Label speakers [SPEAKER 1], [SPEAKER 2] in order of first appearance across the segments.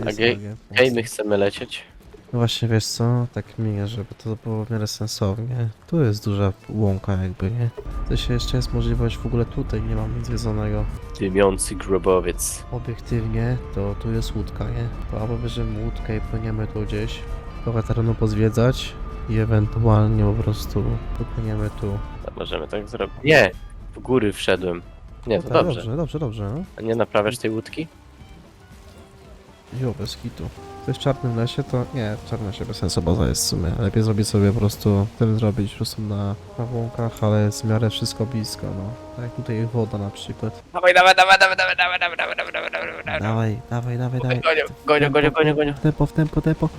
[SPEAKER 1] jest
[SPEAKER 2] Okej,
[SPEAKER 1] okay.
[SPEAKER 2] Hej, my chcemy lecieć.
[SPEAKER 1] No właśnie, wiesz co, tak minie, żeby to było w miarę sensownie. Tu jest duża łąka jakby, nie? To się jeszcze jest możliwość, w ogóle tutaj nie mam nic zwiedzonego.
[SPEAKER 2] Dymiący grobowiec.
[SPEAKER 1] Obiektywnie, to tu jest łódka, nie? To albo bierzemy łódkę i płyniemy tu gdzieś, trochę terenu pozwiedzać i ewentualnie po prostu popłyniemy tu.
[SPEAKER 2] To możemy tak zrobić. Nie! W góry wszedłem. Nie, to
[SPEAKER 1] No tak,
[SPEAKER 2] dobrze.
[SPEAKER 1] dobrze, no.
[SPEAKER 2] A nie naprawiasz tej łódki?
[SPEAKER 1] Jo, bez kitu. To jest w czarnym lesie, to nie, w czarnym lesie bez sensu baza jest w sumie. Lepiej zrobić sobie po prostu, ten zrobić po prostu na łąkach, ale jest w miarę wszystko blisko, no. Tak jak tutaj woda na przykład.
[SPEAKER 2] Dawaj, dawaj, dawaj, dawaj, dawaj, dawaj, dawaj, dawaj, dawaj, dawaj, dawaj, dawaj.
[SPEAKER 1] Dawaj.
[SPEAKER 2] Gonią.
[SPEAKER 1] W tempo.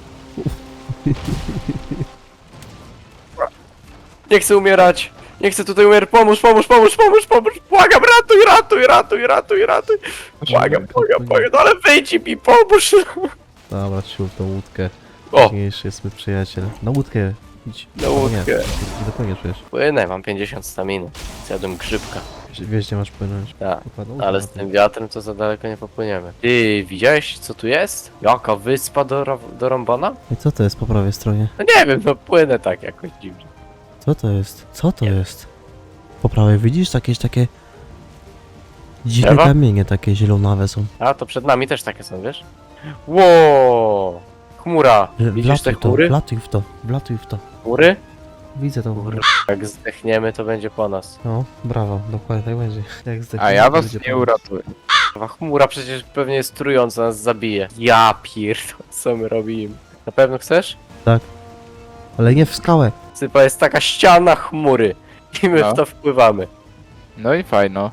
[SPEAKER 2] Nie chcę umierać! Nie chcę tutaj umierać! Pomóż! Błagam, ratuj! Błagam! No ale wyjdź mi, pomóż!
[SPEAKER 1] Dobra, sił tą łódkę.
[SPEAKER 2] O!
[SPEAKER 1] Ważniejszy jest mój przyjaciel. Na łódkę. Idź.
[SPEAKER 2] Na łódkę.
[SPEAKER 1] Nie dopłyniesz przecież.
[SPEAKER 2] Płynę, mam 50 staminy. Zjadłem grzybka.
[SPEAKER 1] Wiesz, gdzie masz płynąć.
[SPEAKER 2] Tak.
[SPEAKER 1] Dokładnie,
[SPEAKER 2] Ale z tym wiatrem to za daleko nie popłyniemy. Ty, widziałeś co tu jest? Jaka wyspa do Rąbana?
[SPEAKER 1] I co to jest po prawej stronie?
[SPEAKER 2] No nie wiem, no płynę tak jakoś dziwnie.
[SPEAKER 1] Co to jest? Co to jest? Po prawej widzisz jakieś takie... Dziwne
[SPEAKER 2] Drzewa?
[SPEAKER 1] kamienie takie zielonawe są.
[SPEAKER 2] A, to przed nami też takie są, wiesz? Ło! Chmura! Widzisz te chmury?
[SPEAKER 1] Wlatuj w to.
[SPEAKER 2] Chmury?
[SPEAKER 1] Widzę tą chmurę.
[SPEAKER 2] Jak zdechniemy, to będzie po nas.
[SPEAKER 1] No, brawo, dokładnie tak będzie. Jak
[SPEAKER 3] A
[SPEAKER 1] zdechniemy,
[SPEAKER 3] ja
[SPEAKER 1] to
[SPEAKER 3] was
[SPEAKER 1] będzie
[SPEAKER 3] nie
[SPEAKER 1] po nas.
[SPEAKER 3] uratuję.
[SPEAKER 2] Kurwa, chmura przecież pewnie jest trująca, nas zabije. Ja pierdolę, co my robimy? Na pewno chcesz?
[SPEAKER 1] Ale nie w skałę.
[SPEAKER 2] Sypa, jest taka ściana chmury. I my
[SPEAKER 3] No.
[SPEAKER 2] w to wpływamy.
[SPEAKER 3] No i fajno.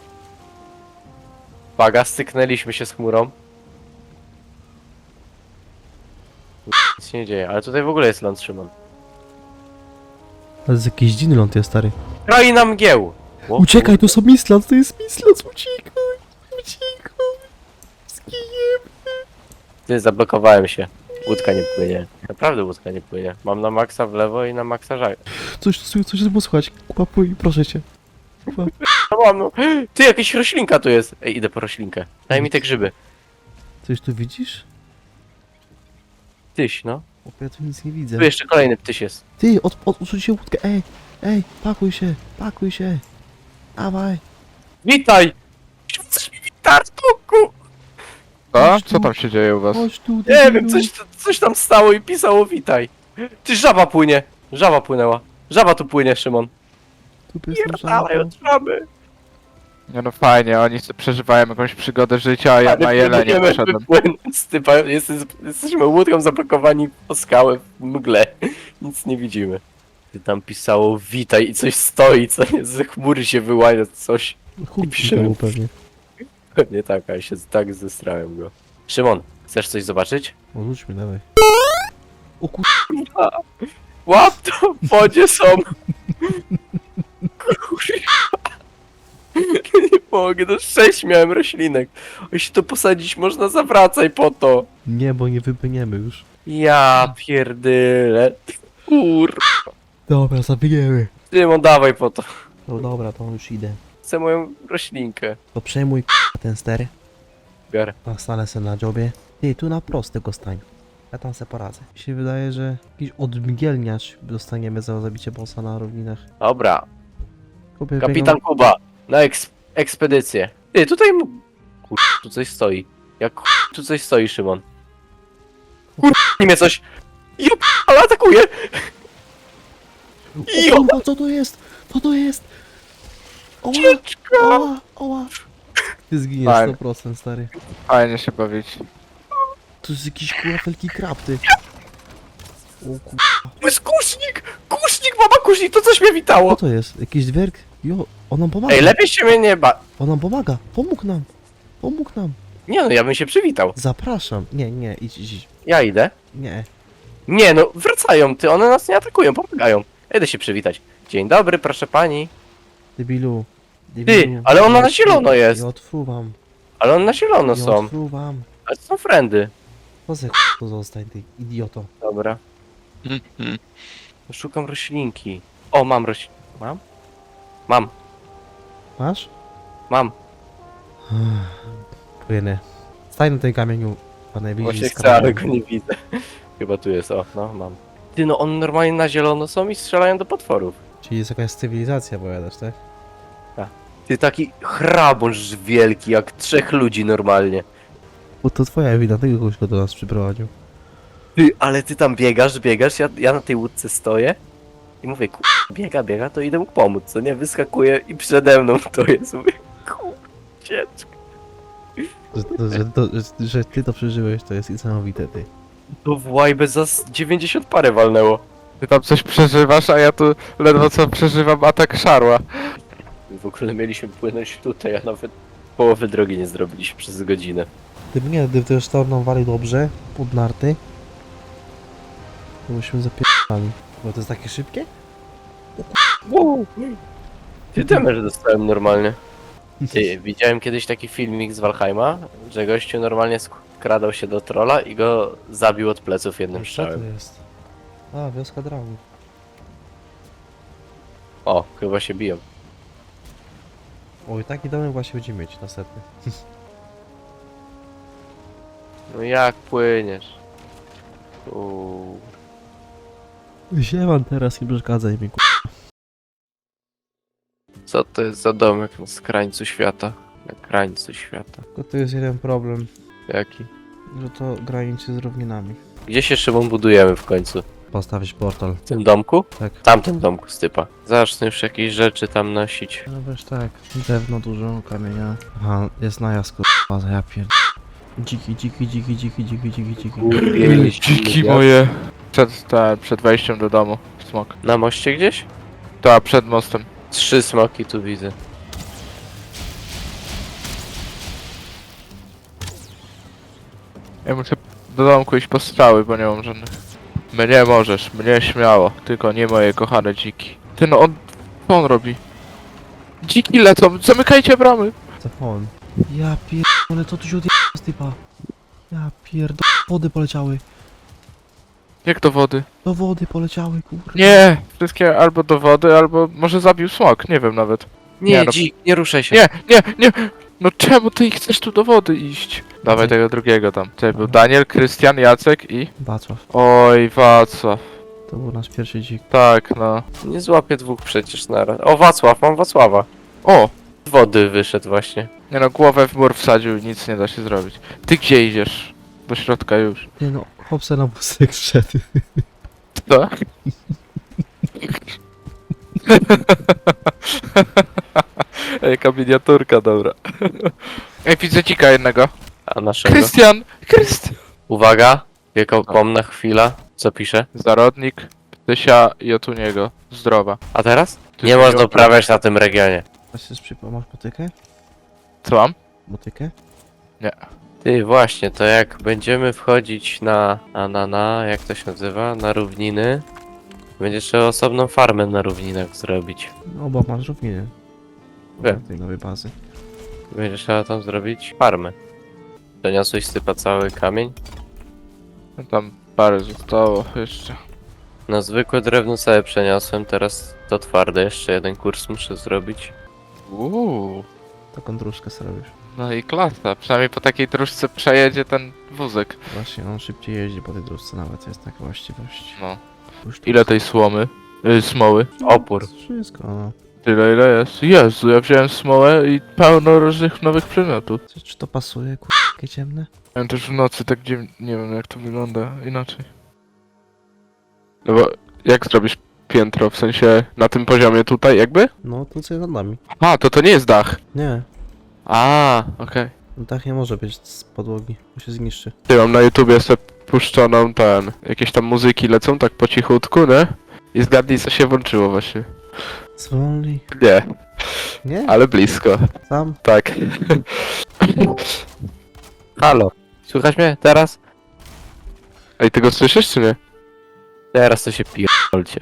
[SPEAKER 2] Uwaga, styknęliśmy się z chmurą. Nic się nie dzieje, ale tutaj w ogóle jest ląd, Szymon.
[SPEAKER 1] To jest jakiś dziwny ląd jest, stary.
[SPEAKER 2] Kraina mgieł! O,
[SPEAKER 1] Uciekaj, to są Mislands, to jest Mislands, uciekaj!
[SPEAKER 2] Ty, zablokowałem się. Łódka nie płynie. Naprawdę łódka nie płynie. Mam na maksa w lewo i na maksa żag.
[SPEAKER 1] Coś było słychać. Kupuj, proszę cię.
[SPEAKER 2] No mam, no. Ty, jakaś roślinka tu jest. Ej, idę po roślinkę. Daj mi te grzyby.
[SPEAKER 1] Coś tu widzisz?
[SPEAKER 2] Tyś, no.
[SPEAKER 1] O, ja tu nic nie widzę.
[SPEAKER 2] Tu jeszcze kolejny ptyś jest.
[SPEAKER 1] Ty, odsuń się łódkę, ej, pakuj się. Dawaj.
[SPEAKER 2] Witaj! Chcesz mi witać, kuku!
[SPEAKER 3] Co? Co tam się dzieje u was?
[SPEAKER 1] Chodź tu,
[SPEAKER 2] Nie wiem, coś tam stało i pisało witaj. Ty, żaba płynie. Żaba płynęła. Żaba tu płynie, Szymon.
[SPEAKER 1] Tu jest
[SPEAKER 2] Pierdalaj od żaby.
[SPEAKER 3] Nie no fajnie, oni sobie przeżywają jakąś przygodę życia, a ja na jelenie
[SPEAKER 2] próbujemy
[SPEAKER 3] poszedłem.
[SPEAKER 2] wypłynąć z typa. Jesteśmy łódką zablokowani po skałę w mgle. Nic nie widzimy. Ty tam pisało witaj i coś stoi, co nie, ze chmury się wyłania coś.
[SPEAKER 1] Chuj,
[SPEAKER 2] piszemy.
[SPEAKER 1] pewnie.
[SPEAKER 2] Pewnie tak, a ja się tak zestrałem go. Szymon, chcesz coś zobaczyć?
[SPEAKER 1] Odrzuć mnie, dawaj. O kur...
[SPEAKER 2] Łap to, w wodzie są. Kurwa. Nie mogę, no 6 miałem roślinek. Jeśli to posadzić można, zawracaj po to.
[SPEAKER 1] Nie, bo nie wypłyniemy już.
[SPEAKER 2] Ja pierdyle. Kur...
[SPEAKER 1] Dobra, zabijemy.
[SPEAKER 2] Szymon, dawaj po to.
[SPEAKER 1] No dobra, to już idę.
[SPEAKER 2] Chcę moją roślinkę.
[SPEAKER 1] To przejmuj ten ster.
[SPEAKER 2] Biorę.
[SPEAKER 1] Stanę se na dziobie. Ty, tu na prostego stań. Ja tam se poradzę. Mi się wydaje, że jakiś odmgielniacz dostaniemy za zabicie bossa na równinach.
[SPEAKER 2] Dobra.
[SPEAKER 1] Kupię
[SPEAKER 2] Kapitan Kuba, na ekspedycję. Ty, tutaj kur... tu coś stoi. Jak tu coś stoi, Szymon. Kur... mnie coś. Jup, ale atakuje.
[SPEAKER 1] O kurwa, co to jest? Co to jest? Oła,
[SPEAKER 2] Ucieczka.
[SPEAKER 1] oła. Ty zginiesz
[SPEAKER 3] Fajnie.
[SPEAKER 1] 100%, stary.
[SPEAKER 3] Fajnie się bawić.
[SPEAKER 1] To jest jakiś kurwa wielki krab, ty. O kurwa.
[SPEAKER 2] To jest kusznik! Kusznik, mama kusznik, to coś mnie
[SPEAKER 1] Co
[SPEAKER 2] witało.
[SPEAKER 1] to jest? Jakiś dwerg? Jo, on nam pomaga.
[SPEAKER 2] Ej, lepiej się mnie nie ba...
[SPEAKER 1] On nam pomaga. Pomógł nam. Pomógł nam.
[SPEAKER 2] Nie no, ja bym się przywitał.
[SPEAKER 1] Zapraszam. Nie, idź.
[SPEAKER 2] Ja idę.
[SPEAKER 1] Nie.
[SPEAKER 2] Nie no, wracają ty, one nas nie atakują, pomagają. Idę się przywitać. Dzień dobry, proszę pani.
[SPEAKER 1] Debilu.
[SPEAKER 2] Ty, ale ona na zielono jest.
[SPEAKER 1] Ja odfruwam.
[SPEAKER 2] Ale one na zielono
[SPEAKER 1] Ja
[SPEAKER 2] są.
[SPEAKER 1] odfruwam.
[SPEAKER 2] Ale to są friendy.
[SPEAKER 1] To ze to zostań, ty idioto.
[SPEAKER 2] Dobra. Szukam roślinki. O, mam Mam? Mam.
[SPEAKER 1] Masz?
[SPEAKER 2] Mam.
[SPEAKER 1] Płynę. Stań na tym kamieniu. Chyba najbliżej
[SPEAKER 2] Właśnie
[SPEAKER 1] z
[SPEAKER 2] chcę, ale
[SPEAKER 1] kamieniem.
[SPEAKER 2] go nie widzę. Chyba tu jest, o, no mam. Ty, no on normalnie na zielono są i strzelają do potworów.
[SPEAKER 1] Czyli jest jakaś cywilizacja, powiadasz, tak?
[SPEAKER 2] Ty, taki chrabąż wielki, jak 3 ludzi normalnie.
[SPEAKER 1] Bo to twoja wina, tego kogoś go do nas przyprowadził.
[SPEAKER 2] Ty, ale ty tam biegasz, ja na tej łódce stoję i mówię, biega, to idę mu pomóc, co nie? Wyskakuję i przede mną to jest, mówię, ucieczka.
[SPEAKER 1] Że ty to przeżyłeś, to jest niesamowite, ty.
[SPEAKER 2] To w łajbę za 90 parę walnęło.
[SPEAKER 3] Ty tam coś przeżywasz, a ja tu ledwo co przeżywam atak szarła.
[SPEAKER 2] W ogóle mieliśmy płynąć tutaj, a nawet połowy drogi nie zrobiliśmy przez godzinę.
[SPEAKER 1] Gdyby to już torną walił dobrze, pod narty, to byśmy zapierdali. Bo to jest takie szybkie?
[SPEAKER 2] Wow. Ty damage dostałem normalnie. Ty, widziałem kiedyś taki filmik z Valheima, że gościu normalnie skradał się do trolla i go zabił od pleców jednym
[SPEAKER 1] Co to
[SPEAKER 2] strzałem.
[SPEAKER 1] jest? A, wioska dragów.
[SPEAKER 2] O, chyba się biją.
[SPEAKER 1] Oj, taki domek właśnie będziemy mieć następny.
[SPEAKER 2] No jak płyniesz? Uuu.
[SPEAKER 1] Ziewam teraz i przeszkadzaj mi,
[SPEAKER 2] Co to jest za domek na krańcu świata? Na krańcu świata.
[SPEAKER 1] Tylko tu jest jeden problem,
[SPEAKER 2] Jaki?
[SPEAKER 1] że to graniczy z równinami.
[SPEAKER 2] Gdzie się Szymon budujemy w końcu?
[SPEAKER 1] Postawić portal.
[SPEAKER 2] W tym domku?
[SPEAKER 1] Tak.
[SPEAKER 2] W tamtym domku stypa. Zacznę już jakieś rzeczy tam nosić.
[SPEAKER 1] No wiesz tak, drewno dużo, kamienia. Aha, jest najazd, kurwa, ja pierd... Dziki.
[SPEAKER 3] Dziki moje. Przed wejściem do domu. Smok.
[SPEAKER 2] Na moście gdzieś?
[SPEAKER 3] Ta, przed mostem.
[SPEAKER 2] 3 smoki tu widzę.
[SPEAKER 3] Ja muszę do domku iść po strzały, bo nie mam żadnych. Mnie możesz, mnie śmiało. Tylko nie moje kochane dziki. Ty no, co on robi? Dziki lecą, zamykajcie bramy!
[SPEAKER 1] Co on? Ja pierdolę, co tu się odjebał z typa? Ja pierdolę, wody poleciały.
[SPEAKER 3] Jak do wody?
[SPEAKER 1] Do wody poleciały, kurwa.
[SPEAKER 3] Nie! Wszystkie albo do wody, albo może zabił smok, nie wiem nawet.
[SPEAKER 2] Nie,
[SPEAKER 3] Nie, no-
[SPEAKER 2] dzik, nie ruszaj się.
[SPEAKER 3] Nie! No czemu ty chcesz tu do wody iść? Dawaj tego drugiego tam. Tutaj był Daniel, Krystian, Jacek i...
[SPEAKER 1] Wacław,
[SPEAKER 3] Oj, Wacław.
[SPEAKER 1] to był nasz pierwszy dzik.
[SPEAKER 3] Tak, no.
[SPEAKER 2] Nie złapię 2 przecież naraz. O, Wacław, mam Wacława.
[SPEAKER 3] O!
[SPEAKER 2] Z wody wyszedł właśnie.
[SPEAKER 3] Nie no, głowę w mur wsadził i nic nie da się zrobić. Ty gdzie idziesz? Do środka już.
[SPEAKER 1] Nie no, chłopce na wózek wszedł.
[SPEAKER 3] Co? Jaka miniaturka, dobra. Ej, widzę dzika jednego.
[SPEAKER 2] A naszego?
[SPEAKER 3] Krystian! Krystian!
[SPEAKER 2] Uwaga, wiekopomna chwila. Co pisze?
[SPEAKER 3] Zarodnik, Ptysia i Otuniego. Zdrowa.
[SPEAKER 2] A teraz?
[SPEAKER 3] Ty
[SPEAKER 2] Nie
[SPEAKER 3] się
[SPEAKER 2] można
[SPEAKER 3] nie
[SPEAKER 2] uprawiać na tym regionie.
[SPEAKER 1] Właśnie masz motykę?
[SPEAKER 3] Co mam?
[SPEAKER 1] Motykę?
[SPEAKER 2] Ty, właśnie, to jak będziemy wchodzić jak to się nazywa? Na równiny. Będzie trzeba osobną farmę na równinach zrobić.
[SPEAKER 1] No, bo masz równiny.
[SPEAKER 2] Wiem.
[SPEAKER 1] Tej nowej bazy.
[SPEAKER 2] Będzie trzeba tam zrobić farmę. Doniosłeś stypa cały kamień?
[SPEAKER 3] No tam parę zostało jeszcze.
[SPEAKER 2] No zwykłe drewno całe przeniosłem, teraz to twarde. Jeszcze jeden kurs muszę zrobić.
[SPEAKER 1] Taką dróżkę sobie robisz.
[SPEAKER 3] No i klasa. Przynajmniej po takiej dróżce przejedzie ten wózek.
[SPEAKER 1] Właśnie, on szybciej jeździ po tej dróżce nawet, jest taka właściwość.
[SPEAKER 3] No.
[SPEAKER 1] Już tu
[SPEAKER 3] Ile tej słomy? Smoły?
[SPEAKER 2] Opór.
[SPEAKER 1] Wszystko, no.
[SPEAKER 3] Tyle ile jest? Jezu, ja wziąłem smołę i pełno różnych nowych przedmiotów.
[SPEAKER 1] Czy to pasuje, takie ciemne?
[SPEAKER 3] Ja też w nocy tak nie wiem jak to wygląda inaczej. No bo jak zrobisz piętro, w sensie na tym poziomie tutaj jakby?
[SPEAKER 1] No, tu co jest nad nami.
[SPEAKER 3] A, to nie jest dach.
[SPEAKER 1] Nie,
[SPEAKER 3] A, okej.
[SPEAKER 1] dach nie może być z podłogi, bo się zniszczy.
[SPEAKER 3] Ty mam na YouTubie sobie puszczoną jakieś tam muzyki lecą tak po cichutku, nie? I zgadnij co się włączyło właśnie.
[SPEAKER 1] Zwolnij.
[SPEAKER 3] Nie,
[SPEAKER 1] Nie?
[SPEAKER 3] ale blisko.
[SPEAKER 1] Sam?
[SPEAKER 3] Tak.
[SPEAKER 2] Halo, słychać mnie teraz?
[SPEAKER 3] Ej, ty go słyszysz czy nie?
[SPEAKER 2] Teraz to się pierdolcie.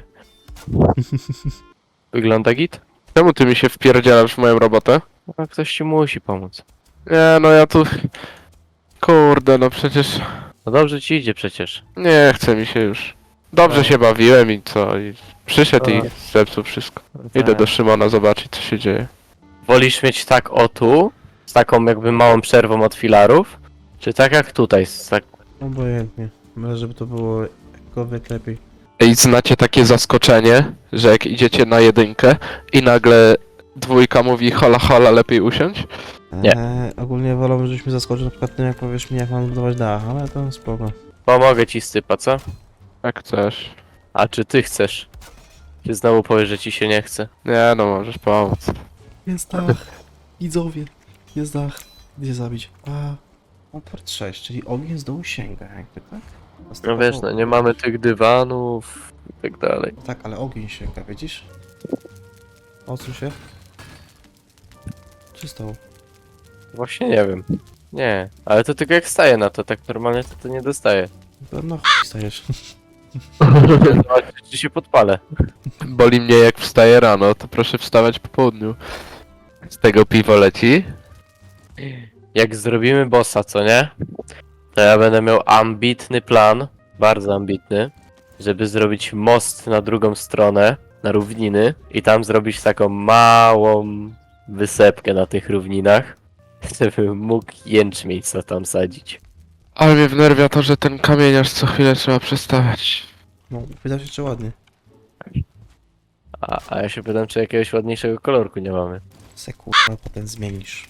[SPEAKER 2] Wygląda git?
[SPEAKER 3] Czemu ty mi się wpierdzielasz w moją robotę?
[SPEAKER 2] No, ktoś ci musi pomóc.
[SPEAKER 3] Nie, no ja tu... Kurde, no przecież...
[SPEAKER 2] No dobrze ci idzie przecież.
[SPEAKER 3] Nie chce mi się już. Dobrze się bawiłem i co? I przyszedł i zepsuł wszystko. Idę do Szymona zobaczyć co się dzieje.
[SPEAKER 2] Wolisz mieć tak o tu, z taką jakby małą przerwą od filarów, Czy tak jak tutaj, tak...
[SPEAKER 1] Obojętnie. Ale żeby to było jakkolwiek lepiej.
[SPEAKER 3] Ej, znacie takie zaskoczenie, że jak idziecie na jedynkę i nagle dwójka mówi hola hola, lepiej usiąść?
[SPEAKER 2] Nie.
[SPEAKER 1] Ogólnie wolałbym, żebyś mi zaskoczył na przykład tym, jak powiesz mi, jak mam budować dach, ale to spoko.
[SPEAKER 2] Pomogę ci stypa, co?
[SPEAKER 3] Jak chcesz.
[SPEAKER 2] A czy ty chcesz? Czy znowu powiesz, że ci się nie chce?
[SPEAKER 3] Nie no, możesz pomóc.
[SPEAKER 1] Jest dach. Widzowie. Jest dach. Gdzie zabić? Port 6, czyli ogień z dołu sięga, jakby tak?
[SPEAKER 2] No wiesz, no nie mamy tych dywanów i tak dalej.
[SPEAKER 1] Tak, ale ogień sięga, widzisz? Odsuń się. Co stało?
[SPEAKER 2] Właśnie nie wiem. Nie, ale to tylko jak staję na to, tak normalnie to nie dostaję.
[SPEAKER 1] To na chuj stajesz.
[SPEAKER 2] Zobaczyć, czy się podpalę.
[SPEAKER 3] Boli mnie jak wstaję rano, to proszę wstawać po południu. Z tego piwo leci.
[SPEAKER 2] Jak zrobimy bossa, co nie? To ja będę miał ambitny plan, bardzo ambitny, żeby zrobić most na drugą stronę, na równiny i tam zrobić taką małą wysepkę na tych równinach, żebym mógł jęczmień co tam sadzić.
[SPEAKER 3] Ale mnie wnerwia to, że ten kamieniarz co chwilę trzeba przestawiać.
[SPEAKER 1] No, wydał się jeszcze ładnie.
[SPEAKER 2] A ja się pytam, czy jakiegoś ładniejszego kolorku nie mamy.
[SPEAKER 1] Se kurwa, potem zmienisz.